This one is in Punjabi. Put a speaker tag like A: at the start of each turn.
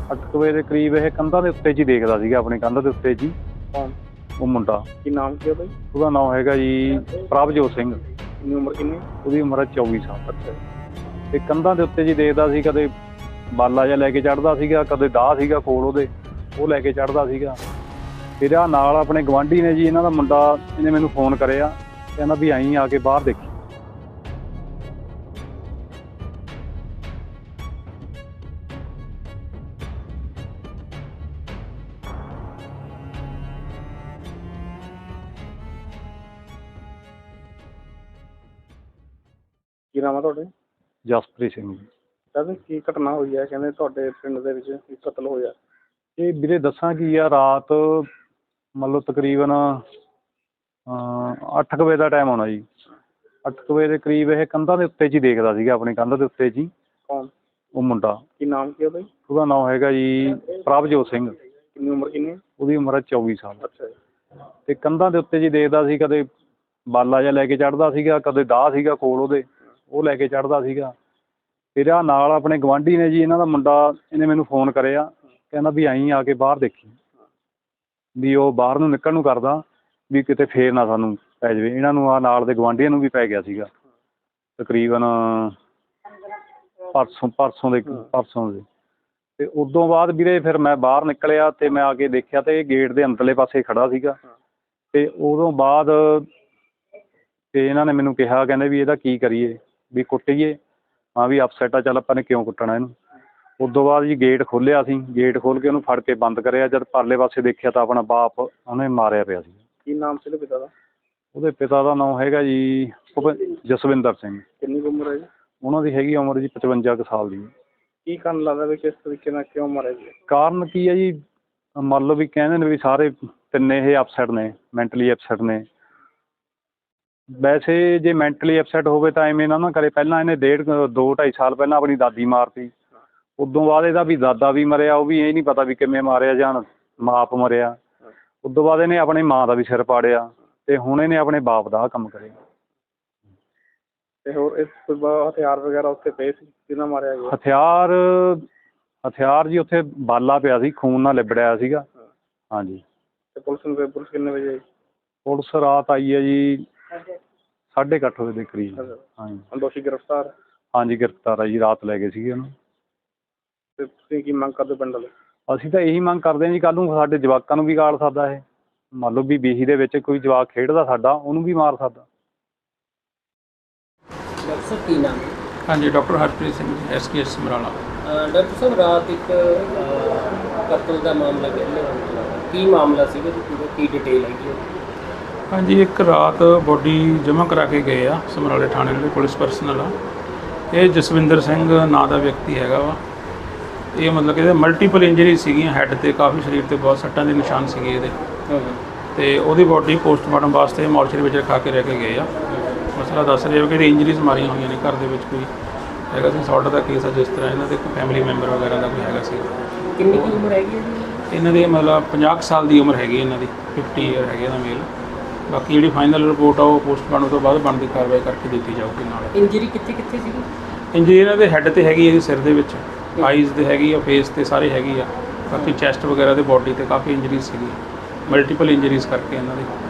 A: 8 ਵਜੇ ਦੇ ਕਰੀਬ ਇਹ ਕੰਧਾਂ ਦੇ ਉੱਤੇ 'ਚ ਹੀ ਦੇਖਦਾ ਸੀਗਾ, ਆਪਣੀ ਕੰਧ ਦੇ ਉੱਤੇ 'ਚ ਹੀ।
B: ਕੌਣ?
A: ਉਹ ਮੁੰਡਾ।
B: ਕੀ ਨਾਮ ਕੀ ਉਹਦਾ ਜੀ?
A: ਉਹਦਾ ਨਾਮ ਹੈਗਾ ਜੀ ਪ੍ਰਭਜੋਤ ਸਿੰਘ।
B: ਕਿੰਨੀ ਉਮਰ ਕਿੰਨੀ?
A: ਉਹਦੀ ਉਮਰ ਹੈ 24 ਸਾਲ।
B: ਅੱਛਾ
A: ਤੇ ਕੰਧਾਂ ਦੇ ਉੱਤੇ 'ਚ ਹੀ ਦੇਖਦਾ ਸੀ, ਕਦੇ ਬਾਲਾ ਜਿਹਾ ਲੈ ਕੇ ਚੜ੍ਹਦਾ ਸੀਗਾ, ਕਦੇ ਦਾਹ ਸੀਗਾ ਕੋਲ ਉਹਦੇ, ਉਹ ਲੈ ਕੇ ਚੜ੍ਹਦਾ ਸੀਗਾ। ਫਿਰ ਆਹ ਨਾਲ ਆਪਣੇ ਗਵਾਂਢੀ ਨੇ ਜੀ, ਇਹਨਾਂ ਦਾ ਮੁੰਡਾ, ਇਹਨੇ ਮੈਨੂੰ ਫੋਨ ਕਰਿਆ, ਕਹਿੰਦਾ ਵੀ ਆਈਂ ਆ ਕੇ ਬਾਹਰ ਦੇਖੀ।
B: ਕੀ ਨਾਮ ਆ ਤੁਹਾਡੇ?
A: ਜਸਪ੍ਰੀਤ ਸਿੰਘ ਜੀ।
B: ਕਹਿੰਦੇ ਕੀ ਘਟਨਾ ਹੋਈ ਹੈ? ਕਹਿੰਦੇ ਤੁਹਾਡੇ ਪਿੰਡ ਦੇ ਵਿੱਚ ਇੱਕ ਕਤਲ ਹੋਇਆ।
A: ਇਹ ਵੀਰੇ ਦੱਸਾਂ ਕੀ ਆ, ਰਾਤ ਮੰਨ ਲਓ ਤਕਰੀਬਨ 8 ਕੁ ਵਜੇ ਦਾ ਟਾਈਮ ਆਉਣਾ ਜੀ। 8 ਕੁ ਵਜੇ ਦੇ ਕਰੀਬ ਇਹ ਕੰਧਾਂ ਦੇ ਉੱਤੇ 'ਚ ਹੀ ਦੇਖਦਾ ਸੀਗਾ, ਆਪਣੀ ਕੰਧ ਦੇ ਉੱਤੇ 'ਚ ਹੀ।
B: ਕੌਣ?
A: ਉਹ ਮੁੰਡਾ।
B: ਕੀ ਨਾਮ ਕੀ ਉਹਦਾ ਜੀ?
A: ਉਹਦਾ ਨਾਮ ਹੈਗਾ ਜੀ ਪ੍ਰਭਜੋਤ ਸਿੰਘ।
B: ਕਿੰਨੀ ਉਮਰ ਕਿੰਨੀ?
A: ਉਹਦੀ ਉਮਰ ਹੈ 24 ਸਾਲ।
B: ਅੱਛਾ ਜੀ।
A: ਤੇ ਕੰਧਾਂ ਦੇ ਉੱਤੇ 'ਚ ਹੀ ਦੇਖਦਾ ਸੀ, ਕਦੇ ਬਾਲਾ ਜਿਹਾ ਲੈ ਕੇ ਚੜ੍ਹਦਾ ਸੀਗਾ, ਕਦੇ ਦਾਹ ਸੀਗਾ ਕੋਲ ਉਹਦੇ, ਉਹ ਲੈ ਕੇ ਚੜ੍ਹਦਾ ਸੀਗਾ। ਫਿਰ ਆਹ ਨਾਲ ਆਪਣੇ ਗਵਾਂਢੀ ਨੇ ਜੀ, ਇਹਨਾਂ ਦਾ ਮੁੰਡਾ, ਇਹਨੇ ਮੈਨੂੰ ਫੋਨ ਕਰਿਆ, ਕਹਿੰਦਾ ਵੀ ਆਈਂ ਆ ਕੇ ਬਾਹਰ ਦੇਖੀ। ਵੀ ਉਹ ਬਾਹਰ ਨੂੰ ਨਿਕਲਣ ਨੂੰ ਕਰਦਾ ਵੀ ਕਿਤੇ ਫੇਰ ਨਾ ਸਾਨੂੰ ਪੈ ਜਾਵੇ। ਇਹਨਾਂ ਨੂੰ ਆਹ ਨਾਲ ਦੇ ਗਵਾਂਢੀਆਂ ਨੂੰ ਵੀ ਪੈ ਗਿਆ ਸੀਗਾ ਤਕਰੀਬਨ ਪਰਸੋਂ ਦੇ। ਤੇ ਉਦੋਂ ਬਾਅਦ ਵੀਰੇ ਫਿਰ ਮੈਂ ਬਾਹਰ ਨਿਕਲਿਆ ਤੇ ਮੈਂ ਆ ਕੇ ਦੇਖਿਆ ਤੇ ਇਹ ਗੇਟ ਦੇ ਅੰਦਰਲੇ ਪਾਸੇ ਖੜਾ ਸੀਗਾ। ਤੇ ਉਦੋਂ ਬਾਅਦ ਤੇ ਇਹਨਾਂ ਨੇ ਮੈਨੂੰ ਕਿਹਾ, ਕਹਿੰਦੇ ਵੀ ਇਹਦਾ ਕੀ ਕਰੀਏ, ਵੀ ਕੁੱਟੀਏ। ਹਾਂ ਵੀ ਅਪਸੈਟ ਆ, ਚੱਲ ਆਪਾਂ ਨੇ ਕਿਉਂ ਕੁੱਟਣਾ ਇਹਨੂੰ। ਉਦੋਂ ਬਾਅਦ ਜੀ ਗੇਟ ਖੋਲ੍ਹਿਆ ਸੀ, ਗੇਟ ਖੋਲ੍ਹ ਕੇ ਉਹਨੂੰ ਫੜ ਕੇ ਬੰਦ ਕਰਿਆ। ਜਦ ਪਰਲੇ ਪਾਸੇ ਦੇਖਿਆ ਤਾਂ ਆਪਣਾ ਬਾਪ ਉਹਨੇ ਮਾਰਿਆ ਪਿਆ ਸੀ।
B: ਕੀ ਨਾਮ ਸੀ ਉਹਦੇ ਪਿਤਾ ਦਾ?
A: ਉਹਦੇ ਪਿਤਾ ਦਾ ਨਾਮ ਹੈਗਾ ਜੀ ਜਸਵਿੰਦਰ ਸਿੰਘ।
B: ਕਿੰਨੀ ਉਮਰ ਹੈ ਜੀ?
A: ਉਹਨਾਂ ਦੀ ਹੈਗੀ ਉਮਰ ਜੀ 55 ਕੁ ਸਾਲ ਦੀ।
B: ਕੀ ਕਾਰਨ ਲੱਗਦਾ ਵੀ ਕਿਸ ਤਰੀਕੇ ਨਾਲ ਕਿਉਂ ਮਾਰਿਆ ਜੀ?
A: ਕਾਰਨ ਕੀ ਹੈ ਜੀ, ਮੰਨ ਲਓ ਵੀ ਕਹਿੰਦੇ ਨੇ ਵੀ ਸਾਰੇ ਤਿੰਨੇ ਇਹ ਅਪਸੈਟ ਨੇ, ਮੈਂਟਲੀ ਅਪਸੈਟ ਨੇ। ਵੈਸੇ ਜੇ ਮੈਂਟਲੀ ਅਪਸੈਟ ਹੋਵੇ ਤਾਂ ਐਵੇਂ ਨਾ ਕਰੇ। ਪਹਿਲਾਂ ਇਹਨੇ 2-2.5 ਸਾਲ ਪਹਿਲਾਂ ਆਪਣੀ ਦਾਦੀ ਮਾਰਤੀ। ਉਦੋਂ ਬਾਅਦ ਇਹਦਾ ਵੀ ਦਾਦਾ ਵੀ ਮਰਿਆ, ਉਹ ਵੀ ਇਹ ਨਹੀਂ ਪਤਾ ਵੀ ਕਿਵੇਂ ਮਾਰਿਆ ਜਾਂ ਮਾਪ ਮਰਿਆ। ਉਦੋਂ ਬਾਅਦ ਇਹਨੇ ਆਪਣੀ ਮਾਂ ਦਾ ਵੀ ਸਿਰ ਪਾੜਿਆ ਤੇ ਹੁਣ ਇਹਨੇ ਆਪਣੇ ਬਾਪ ਦਾ ਆਹ ਕੰਮ ਕਰਿਆ।
B: ਤੇ ਹੋਰ ਇਸ ਤੋਂ ਬਾਅਦ ਹਥਿਆਰ ਵਗੈਰਾ ਉੱਥੇ ਪਏ ਸੀ, ਕਿਹਨਾਂ ਮਾਰਿਆ ਗਿਆ?
A: ਹਥਿਆਰ ਜੀ ਉੱਥੇ ਬਾਲਾ ਪਿਆ ਸੀ, ਖੂਨ ਨਾਲ ਲਿਬੜਿਆ ਸੀਗਾ। ਹਾਂਜੀ।
B: ਤੇ ਪੁਲਿਸ ਕਿੰਨੇ ਵਜੇ ਆਈ?
A: ਪੁਲਿਸ ਰਾਤ ਆਈ ਹੈ ਜੀ 8:30 ਵਜੇ ਦੇ ਕਰੀਬ। ਹਾਂਜੀ।
B: ਦੋਸ਼ੀ ਗ੍ਰਿਫਤਾਰ?
A: ਹਾਂਜੀ ਗ੍ਰਿਫਤਾਰ ਆ ਜੀ, ਰਾਤ ਲੈ ਗਏ ਸੀਗੇ ਉਹਨੂੰ।
B: ਤੇ ਤੁਸੀਂ ਕੀ ਮੰਗ ਕਰਦੇ ਪਿੰਡ ਵਾਲੇ?
A: ਅਸੀਂ ਤਾਂ ਇਹੀ ਮੰਗ ਕਰਦੇ ਹਾਂ ਜੀ, ਕੱਲ੍ਹ ਨੂੰ ਸਾਡੇ ਜਵਾਕਾਂ ਨੂੰ ਵੀ ਗਾਲ ਸਕਦਾ ਇਹ। ਮੰਨ ਲਓ ਵੀ ਬੀਹੀ ਦੇ ਵਿੱਚ ਕੋਈ ਜਵਾਕ ਖੇਡਦਾ ਸਾਡਾ, ਉਹਨੂੰ ਵੀ ਮਾਰ ਸਕਦਾ।
C: ਡਾਕਟਰ ਸਾਹਿਬ ਕੀ ਨਾਮ ਹੈ?
D: ਹਾਂਜੀ, doctor Harpreet Singh, SKS Samrala.
C: Doctor ਸਾਹਿਬ ਰਾਤ ਇੱਕ ਕਤਲ ਦਾ ਮਾਮਲਾ ਕਹਿੰਦੇ ਕੀ ਮਾਮਲਾ ਸੀਗਾ ਜੀ, ਪੂਰਾ ਕੀ ਡਿਟੇਲ ਹੈਗੀ?
D: ਹਾਂਜੀ, ਇੱਕ ਰਾਤ ਬੋਡੀ ਜਮ੍ਹਾਂ ਕਰਾ ਕੇ ਗਏ ਆ ਸਮਰਾਲੇ ਥਾਣੇ ਦੇ ਪੁਲਿਸ ਪਰਸਨਲ ਆ। ਇਹ ਜਸਵਿੰਦਰ ਸਿੰਘ ਨਾਂ ਦਾ ਵਿਅਕਤੀ ਹੈਗਾ ਵਾ। ਇਹ ਮਤਲਬ ਕਿ ਇਹਦੇ ਮਲਟੀਪਲ ਇੰਜਰੀ ਸੀਗੀਆਂ, ਹੈੱਡ 'ਤੇ ਕਾਫੀ, ਸਰੀਰ 'ਤੇ ਬਹੁਤ ਸੱਟਾਂ ਦੇ ਨਿਸ਼ਾਨ ਸੀਗੇ ਇਹਦੇ। ਅਤੇ ਉਹਦੀ ਬੋਡੀ ਪੋਸਟਮਾਰਟਮ ਵਾਸਤੇ ਮੋਰਚਰੀ ਵਿੱਚ ਰਖਾ ਕੇ ਰਹਿ ਕੇ ਗਏ ਆ। ਮਸਲਾ ਦੱਸ ਰਹੇ ਹੋ ਕਿ ਇਹਦੀ ਇੰਜਰੀਜ਼ ਮਾਰੀਆਂ ਹੋਈਆਂ ਨੇ, ਘਰ ਦੇ ਵਿੱਚ ਕੋਈ ਹੈਗਾ ਸੀ ਸੌਟ ਦਾ ਕੇਸ ਆ, ਜਿਸ ਤਰ੍ਹਾਂ ਇਹਨਾਂ ਦੇ ਕੋਈ ਫੈਮਿਲੀ ਮੈਂਬਰ ਵਗੈਰਾ ਦਾ ਕੋਈ ਹੈਗਾ ਸੀ।
C: ਕਿੰਨੀ ਕੀ ਉਮਰ ਹੈਗੀ ਹੈ?
D: ਇਹਨਾਂ ਦੀ ਮਤਲਬ 50 ਸਾਲ ਦੀ ਉਮਰ ਹੈਗੀ ਇਹਨਾਂ ਦੀ, 50 ਈਅਰ ਹੈਗੇ ਇਹਦਾ ਮੇਲ। ਬਾਕੀ ਜਿਹੜੀ ਫਾਈਨਲ ਰਿਪੋਰਟ ਆ ਉਹ ਪੋਸਟਮਾਰਟਮ ਤੋਂ ਬਾਅਦ ਬਣਦੀ ਕਾਰਵਾਈ ਕਰਕੇ ਦਿੱਤੀ ਜਾਊਗੀ। ਨਾਲ
C: ਇੰਜਰੀ ਕਿੱਥੇ ਕਿੱਥੇ ਸੀਗੀ?
D: ਇੰਜਰੀ ਇਹਨਾਂ ਦੇ ਹੈੱਡ 'ਤੇ ਹੈਗੀ, ਇਹਦੇ ਸਿਰ ਦੇ ਵਿੱਚ, ਆਈਜ਼ 'ਤੇ ਹੈਗੀ ਆ, ਫੇਸ 'ਤੇ ਸਾਰੇ ਹੈਗੀ ਆ। ਬਾਕੀ ਚੈਸਟ ਵਗੈਰਾ ਤੇ ਬੋਡੀ 'ਤੇ ਕਾਫੀ ਇੰਜਰੀਜ਼ ਸੀਗੀ, ਮਲਟੀਪਲ ਇੰਜਰੀਜ਼ ਕਰਕੇ ਇਹਨਾਂ ਦੀ।